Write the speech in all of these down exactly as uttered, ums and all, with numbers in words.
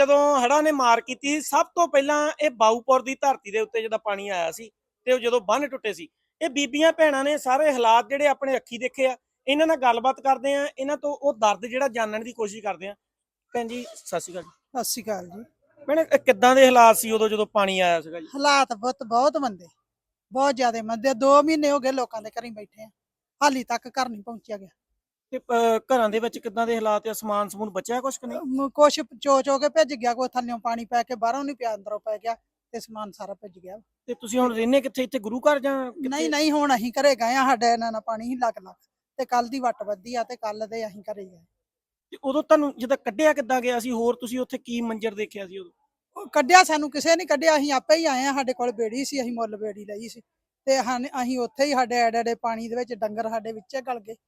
ਜਦੋਂ ਹੜ੍ਹਾਂ ਨੇ ਮਾਰ ਕੀਤੀ ਸਭ ਤੋਂ ਪਹਿਲਾਂ ਇਹ ਬਾਊਪੁਰ ਦੀ ਧਰਤੀ ਦੇ ਉੱਤੇ ਜਦੋਂ ਪਾਣੀ ਆਇਆ ਸੀ ਤੇ ਉਹ ਜਦੋਂ ਬੰਨ ਟੁੱਟੇ ਸੀ, ਇਹ ਬੀਬੀਆਂ ਭੈਣਾਂ ਨੇ ਸਾਰੇ ਹਾਲਾਤ ਜਿਹੜੇ ਆਪਣੇ ਅੱਖੀ ਦੇਖੇ ਆ। ਇਹਨਾਂ ਨਾਲ ਗੱਲਬਾਤ ਕਰਦੇ ਆ, ਇਹਨਾਂ ਤੋਂ ਉਹ ਦਰਦ ਜਿਹੜਾ ਜਾਣਨ ਦੀ ਕੋਸ਼ਿਸ਼ ਕਰਦੇ ਆ। ਭੈਣ ਜੀ ਸਤਿ ਸ਼੍ਰੀ ਅਕਾਲ। ਸਤਿ ਸ਼੍ਰੀ ਅਕਾਲ ਜੀ। ਭੈਣ ਕਿੱਦਾਂ ਦੇ ਹਾਲਾਤ ਸੀ ਉਦੋਂ ਜਦੋਂ ਪਾਣੀ ਆਇਆ ਸੀਗਾ ਜੀ? ਹਾਲਾਤ ਬਹੁਤ ਬਹੁਤ ਮੰਦੇ, ਬਹੁਤ ਜ਼ਿਆਦਾ ਮੰਦੇ। ਦੋ ਮਹੀਨੇ ਹੋ ਗਏ ਲੋਕਾਂ ਦੇ ਘਰੀਂ ਬੈਠੇ ਆ, ਹਾਲੀ ਤੱਕ ਘਰ ਨਹੀਂ ਪਹੁੰਚਿਆ ਗਿਆ। ਤੇ ਅਹ, ਘਰਾਂ ਦੇ ਵਿੱਚ ਕਿੱਦਾਂ ਦੇ ਹਾਲਾਤ ਆ? ਸਮਾਨ ਸਮੂਨ ਬਚਿਆ ਕੁਛ ਕਿ ਨਹੀਂ? ਅਮ ਕੁਛ ਚੋ ਚੋ ਕੇ ਭਿੱਜ ਗਿਆ, ਕੋਈ ਥੱਲਿਓਂ ਪਾਣੀ ਪੈ ਕੇ ਬਾਹਰੋਂ ਨਹੀਂ ਪਿਆ, ਅੰਦਰੋਂ ਪੈ ਗਿਆ ਤੇ ਸਮਾਨ ਸਾਰਾ ਭਿੱਜ ਗਿਆ। ਤੇ ਤੁਸੀਂ ਹੁਣ ਰਹਿੰਦੇ ਕਿੱਥੇ? ਇੱਥੇ ਗੁਰੂ ਘਰ ਜਾਂ ਨਹੀਂ ਕਿੱਥੇ? ਨਹੀਂ, ਹੁਣ ਅਸੀਂ ਘਰੇ ਗਏ ਆ, ਸਾਡੇ ਇਹਨਾਂ ਨਾਲ ਪਾਣੀ ਹੀ ਲੱਗ ਲੱਗ ਤੇ ਕੱਲ ਦੀ ਵੱਟ ਵੱਧੀ ਆ ਤੇ ਕੱਲ ਦੇ ਅਸੀਂ ਘਰੇ ਗਏ। ਤੇ ਉਦੋਂ ਤੁਹਾਨੂੰ ਜਦੋਂ ਕੱਢਿਆ ਕਿੱਦਾਂ ਗਿਆ ਸੀ? ਹੋਰ ਤੁਸੀਂ ਉੱਥੇ ਕੀ ਮੰਜ਼ਰ ਦੇਖਿਆ ਸੀ ਉਦੋਂ? ਉਹ ਕੱਢਿਆ ਸਾਨੂੰ ਕਿਸੇ ਨੇ ਕੱਢਿਆ, ਅਸੀਂ ਆਪੇ ਹੀ ਆਏ ਆ। ਸਾਡੇ ਕੋਲ ਬੇੜੀ ਸੀ, ਅਸੀਂ ਮੁੱਲ ਬੇੜੀ ਲਈ ਸੀ ਤੇ ਹਨ ਅਸੀਂ ਉੱਥੇ ਹੀ ਸਾਡੇ ਐਡੇ ਐਡੇ ਪਾਣੀ ਦੇ ਵਿੱਚ ਡੰਗਰ ਸਾਡੇ ਵਿੱਚੇ ਗਲ ਗਏ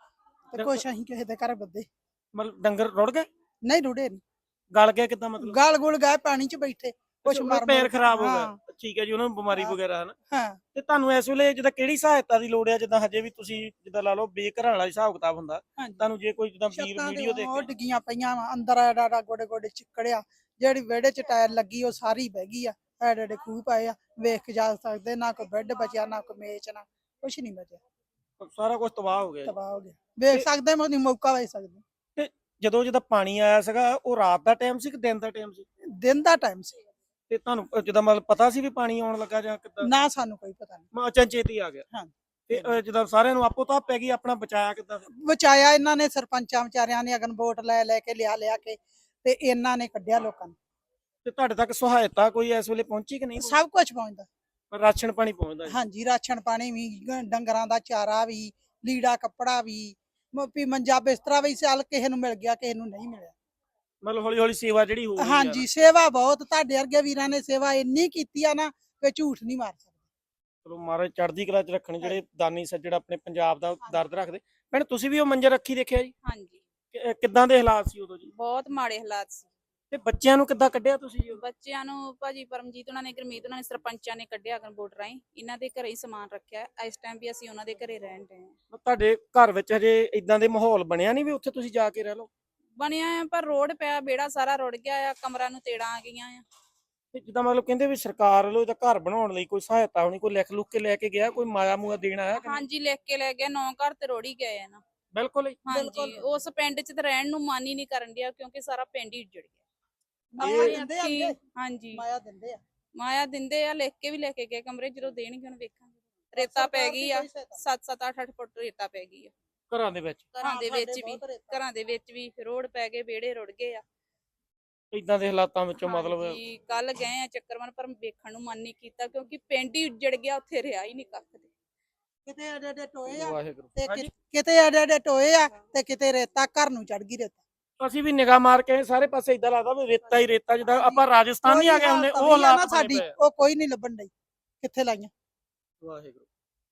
ਤੇ ਕੁਛ ਅਸੀਂ ਕਿਸੇ ਦੇ ਘਰ ਬੱਦੇ। ਮਤਲਬ ਡੰਗਰ ਰੁੜ ਗਏ? ਨਹੀਂ ਰੁੜੇ ਨਹੀਂ, ਗਲ ਗਏ ਕਿੱਦਾਂ ਮਤਲਬ? ਗਲ ਗੁਲ ਗਏ ਪਾਣੀ 'ਚ ਬੈਠੇ, ਕੁਛ ਅੱਛਾ, ਮਰ ਪੈਰ ਮੁਰ- ਖਰਾਬ ਹੋ ਹਾਂ, ਗਿਆ। ਠੀਕ ਹੈ ਜੀ, ਉਹਨਾਂ ਨੂੰ ਬਿਮਾਰੀ ਹਾਂ। ਵਗੈਰਾ ਹਨਾ। ਹਾਂ। ਤੇ ਤੁਹਾਨੂੰ ਇਸ ਵੇਲੇ ਜਿੱਦਾਂ ਕਿਹੜੀ ਸਹਾਇਤਾ ਦੀ ਲੋੜ ਹੈ? ਜਿੱਦਾਂ ਹਜੇ ਵੀ ਤੁਸੀਂ ਜਿੱਦਾਂ ਲਾ ਲਓ ਬੇਘਰਾਂ ਵਾਲਾ ਹਿਸਾਬ ਕਿਤਾਬ ਹੁੰਦਾ, ਹਾਂਜੀ। ਤੁਹਾਨੂੰ ਜੇ ਕੋਈ ਜਿੱਦਾਂ ਵੀਰ ਛੱਤਾਂ ਵੀਡੀਓ ਤੇ ਦੇਖ ਉਹ ਕੇ ਡਿੱਗੀਆਂ ਪਈਆਂ ਵਾ, ਅੰਦਰ ਐਡਾ ਐਡਾ ਗੋਡੇ ਗੋਡੇ ਚਿੱਕੜਿਆ, ਜਿਹੜੀ ਵਿਹੜੇ 'ਚ ਟਾਇਰ ਲੱਗੀ ਉਹ ਸਾਰੀ ਬਹਿ ਗਈ ਆ, ਐਡੇ ਐਡੇ ਖੂਹ ਪਏ ਆ, ਵੇਖ ਕੇ ਜਾ ਸਕਦੇ। ਨਾ ਕੋਈ ਬੈੱਡ ਬਚਿਆ, ਨਾ ਕੋਈ ਮੇਚ, ਨਾ ਕੁਛ ਨਹੀਂ ਬਚਿਆ, ਸਾਰਾ ਕੁਝ ਤਬਾਹ ਹੋ ਗਿਆ ਜੀ। ਤਬਾਹ ਹੋ ਗਿਆ। ਵੇਖ ਤੇ- ਸਕਦੇ ਮੈਂ ਮੌਕਾ ਵੇਖ ਸਕਦੇ। ਤੇ ਜਦੋਂ ਜਦੋਂ ਪਾਣੀ ਆਇਆ ਸੀਗਾ ਉਹ ਰਾਤ ਦਾ ਟਾਈਮ ਸੀ ਕਿ ਦਿਨ ਦਾ ਟਾਈਮ ਸੀ? ਦਿਨ ਦਾ ਟਾਈਮ ਸੀ। ਤੇ ਤੁਹਾਨੂੰ ਅਹ ਜਿੱਦਾਂ ਮਤਲਬ ਪਤਾ ਸੀ ਵੀ ਪਾਣੀ ਆਉਣ ਲੱਗਾ ਜਾਂ ਕਿੱਦਾਂ? ਨਾ ਸਾਨੂੰ ਕੋਈ ਪਤਾ ਨਹੀਂ। ਮੈਂ ਅਚਨਚੇਤ ਹੀ ਆ ਗਿਆ। ਹਾਂ। ਤੇ ਅਹ ਜਿੱਦਾਂ ਸਾਰਿਆਂ ਨੂੰ ਆਪੋ ਤਾਂ ਪੈ ਗਈ, ਆਪਣਾ ਬਚਾਇਆ ਕਿੱਦਾਂ ਫਿਰ? ਬਚਾਇਆ ਇਹਨਾਂ ਨੇ, ਸਰਪੰਚਾਂ ਵਿਚਾਰਿਆਂ ਨੇ ਅਗਨ ਵੋਟ ਲੈ ਲੈ ਕੇ ਲਿਆ ਲਿਆ ਕੇ ਤੇ ਇਹਨਾਂ ਨੇ ਕੱਢਿਆ ਲੋਕਾਂ ਨੂੰ। ਤੇ ਤੁਹਾਡੇ ਤੱਕ ਸਹਾਇਤਾ ਕੋਈ ਇਸ ਵੇਲੇ ਪਹੁੰਚੀ ਕਿ ਨਹੀਂ? ਸਭ ਕੁਝ ਪਹੁੰਚਦਾ। ਰਾਸ਼ਨ ਪਾਣੀ ਪਹੁੰਚਦਾ ਜੀ? ਹਾਂਜੀ, ਰਾਸ਼ਨ ਪਾਣੀ ਵੀ, ਗ- ਡੰਗਰਾਂ ਦਾ ਚਾਰਾ ਵੀ, ਲੀੜਾ ਕੱਪੜਾ ਵੀ, ਮ- ਵੀ ਮੰਜਾ ਬਿਸਤਰਾ ਵੀ ਚੱਲ ਕਿਸੇ ਨੂੰ ਮਿਲ ਗਿਆ, ਕਿਸੇ ਨੂੰ ਨਹੀਂ ਮਿਲਿਆ। ਮਤਲਬ ਹੌਲੀ ਹੌਲੀ ਸੇਵਾ ਜਿਹੜੀ ਹੋ ਰਹੀ ਆ। ਹਾਂਜੀ, ਸੇਵਾ ਬਹੁਤ। ਤੁਹਾਡੇ ਵਰਗੇ ਵੀਰਾਂ ਨੇ ਸੇਵਾ ਇੰਨੀ ਕੀਤੀ ਆ ਨਾ ਕਿ ਝੂਠ ਨਹੀਂ ਮਾਰ ਸਕਦੇ। ਚਲੋ ਮਹਾਰਾਜ ਚੜ੍ਹਦੀ ਕਲਾ ਚ ਰੱਖਣ, ਜਿਹੜੇ ਦਾਨੀ ਸੱਜਣ ਆਪਣੇ ਪੰਜਾਬ ਦਾ ਦਰਦ ਰੱਖਦੇ। ਭੈਣ ਤੁਸੀਂ ਵੀ ਉਹ ਮੰਜਰ ਰੱਖੀ ਦੇਖਿਆ ਜੀ? ਹਾਂਜੀ, ਕਿ- ਅਹ ਕਿੱਦਾਂ ਦੇ ਹਾਲਾਤ ਸੀ ਉਦੋਂ ਜੀ? ਬਹੁਤ ਮਾੜੇ ਹਾਲਾਤ ਸੀ। ਤੇ ਬੱਚਿਆਂ ਨੂੰ ਕਿੱਦਾਂ ਕੱਢਿਆ ਤੁਸੀਂ ਜੀ ਉਦੋਂ? ਬੱਚਿਆਂ ਨੂੰ ਭਾਜੀ ਪਰਮਜੀਤ ਉਹਨਾਂ ਨੇ, ਗੁਰਮੀਤ ਉਹਨਾਂ ਨੇ, ਸਰਪੰਚਾਂ ਨੇ ਕੱਢਿਆ ਅਗਨ ਵੋਟ ਰਾਹੀਂ। ਇਹਨਾਂ ਦੇ ਘਰੇ ਹੀ ਸਮਾਨ ਰੱਖਿਆ। ਇਸ ਟਾਈਮ ਵੀ ਅਸੀਂ ਉਹਨਾਂ ਦੇ ਘਰੇ ਰਹਿਣ ਦੇ ਹਾਂ। ਤੁਹਾਡੇ ਘਰ ਵਿੱਚ ਹਜੇ ਇਦਾਂ ਦੇ ਮਾਹੌਲ ਬਣਿਆ ਨਹੀਂ ਵੀ ਉੱਥੇ ਤੁਸੀਂ ਜਾ ਕੇ ਰਹਿ ਲਓ? ਬਣਿਆ ਆ ਪਰ ਰੋਡ ਪਿਆ, ਬੇੜਾ ਸਾਰਾ ਰੁੜ ਗਿਆ ਆ, ਕਮਰਾਂ ਨੂੰ ਤੇੜਾਂ ਆ ਗਈਆਂ ਆ। ਤੇ ਜਿੱਦਾਂ ਮਤਲਬ ਕਹਿੰਦੇ ਵੀ ਸਰਕਾਰ ਵੱਲੋਂ ਇਹਦਾ ਘਰ ਬਣਾਉਣ ਲਈ ਕੋਈ ਸਹਾਇਤਾ ਹੋਣੀ, ਕੋਈ ਲਿਖ ਲੁੱਕ ਕੇ ਲੈ ਕੇ ਗਿਆ, ਕੋਈ ਮਾਇਆ ਮੂਆ ਦੇਣ ਆਇਆ ਕਿ ਨਹੀਂ? ਹਾਂਜੀ, ਲਿਖ ਕੇ ਲੈ ਗਏ। ਨੌ ਘਰ ਤੇ ਰੋੜ ਹੀ ਗਏ ਆ ਨਾ। ਬਿਲਕੁਲ ਹੀ। ਹਾਂਜੀ, ਉਸ ਪਿੰਡ 'ਚ ਤੇ ਰਹਿਣ ਨੂੰ ਮਨ ਹੀ ਨਹੀਂ ਕਰਨ ਡਿਆ ਕਿਉਂਕਿ ਸਾਰਾ ਪਿੰਡ ਹੀ ਉੱਜੜ ਗਿਆ। ਮਾਇਆ ਆਪਣੇ ਦਿੰਦੇ ਆ ਅੱਖੀਂ- ਅੱਗੇ, ਹਾਂਜੀ, ਮਾਇਆ ਦਿੰਦੇ ਆ। ਮਾਇਆ ਦਿੰਦੇ ਆ, ਲਿਖ ਕੇ ਵੀ ਲੈ ਕੇ ਗਏ ਕਮਰੇ। ਜਦੋਂ ਦੇਣਗੇ ਹੁਣ ਵੇਖਾਂਗੇ। ਰੇਤਾ ਪੈ ਗਈ ਆ, ਸੱਤ ਸੱਤ ਅੱਠ ਅੱਠ ਫੁੱਟ ਰੇਤਾ ਪੈ ਗਈ ਆ ਘਰਾਂ ਦੇ ਵਿੱਚ ਘਰਾਂ ਦੇ ਵਿੱਚ ਵੀ। ਬਹੁਤ ਰੇਤਾ। ਘਰਾਂ ਦੇ ਵਿੱਚ ਵੀ ਰੋਡ ਪੈ ਗਏ, ਵਿਹੜੇ ਰੁੜ ਗਏ ਆ। ਇਦਾਂ ਦੇ ਹਾਲਾਤਾਂ ਵਿੱਚੋਂ ਮਤਲਬ ਕੱਲ ਗਏ ਆ ਚੱਕਰਵਨ, ਪਰ ਵੇਖਣ ਨੂੰ ਮਨ ਨਹੀਂ ਕੀਤਾ ਕਿਉਂਕਿ ਪਿੰਡ ਹੀ ਉੱਜੜ ਗਿਆ, ਉੱਥੇ ਰਿਹਾ ਹੀ ਨਹੀਂ ਕੱਖ ਦੇ। ਕਿਤੇ ਐਡੇ ਐਡੇ ਟੋਏ ਆ ਵਾਹਿਗੁਰੂ। ਤੇ ਹਾਂਜੀ। ਕਿ- ਕਿਤੇ ਐਡੇ ਐਡੇ ਟੋਏ ਆ ਤੇ ਕਿਤੇ ਰੇਤਾ ਘਰ ਨੂੰ ਚੜ ਗਈ ਰੇਤਾ। ਅਸੀਂ ਵੀ ਨਿਗਾਹ ਮਾਰ ਕੇ ਆਏ, ਸਾਰੇ ਪਾਸੇ ਇਦਾਂ ਲੱਗਦਾ ਵੀ ਰੇਤਾ ਹੀ ਰੇਤਾ, ਜਿੱਦਾਂ ਆਪਾਂ ਰਾਜਸਥਾਨ ਨਹੀਂ ਆ ਗਏ ਹੁੰਦੇ ਉਹ ਹਾਲਾਤ ਬਣੇ ਸਾਡੀ ਪਏ ਆ। ਉਹ ਕੋਈ ਨਹੀਂ ਲੱਭਣ ਡਈ ਕਿੱਥੇ ਲਾਈਆਂ। ਵਾਹਿਗੁਰੂ।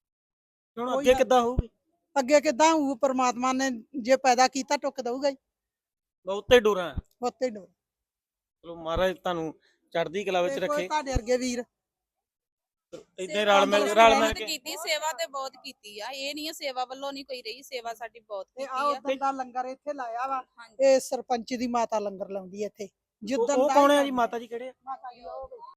ਹੁਣ ਕੋਈ ਅੱਗੇ ਨਾ- ਕਿੱਦਾਂ ਹੋਊਗੀ? ਅੱਗੇ ਕਿੱਦਾਂ ਹੋਊ? ਪ੍ਰਮਾਤਮਾ ਨੇ ਜੇ ਪੈਦਾ ਕੀਤਾ ਟੁੱਕ ਦਊਗਾ ਹੀ, ਬਹੁਤੇ ਡੋਰਾਂ। ਉੱਤੇ ਡੋਰ। ਚਲੋ ਮਹਾਰਾਜ ਤੁਹਾਨੂੰ ਚੜ੍ਹਦੀ ਕਲਾ ਵਿੱਚ ਤੇ ਕੋਈ ਰੱਖੇ। ਤੁਹਾਡੇ ਵਰਗੇ ਵੀਰ ਇਦਾਂ ਰਲ ਮਿਲ ਬਹੁਤ ਰਲ ਮਿਲ ਕੇ ਕੀਤੀ ਸੇਵਾ ਤੇ ਬਹੁਤ ਕੀਤੀ ਆ। ਇਹ ਨਹੀਂ ਆ ਸੇਵਾ ਵੱਲੋਂ ਨਹੀਂ ਕੋਈ ਰਹੀ, ਸੇਵਾ ਸਾਡੀ ਬਹੁਤ ਤੇ ਕੀਤੀ ਆ ਆ। ਉਦੋਂ ਦਾ ਲੰਗਰ ਇੱਥੇ ਲਾਇਆ ਵਾ। ਹਾਂਜੀ, ਇਹ ਸਰਪੰਚ ਦੀ ਮਾਤਾ ਲੰਗਰ ਲਾਉਂਦੀ ਹੈ ਇੱਥੇ। ਉਹ ਜਿੱਦਣ ਉਹ ਦਾ ਕੌਣ ਹੈ ਹੀ ਜੀ? ਮਾਤਾ ਜੀ ਕਿਹੜੇ ਆ? ਮਾਤਾ ਜੀ ਉਹ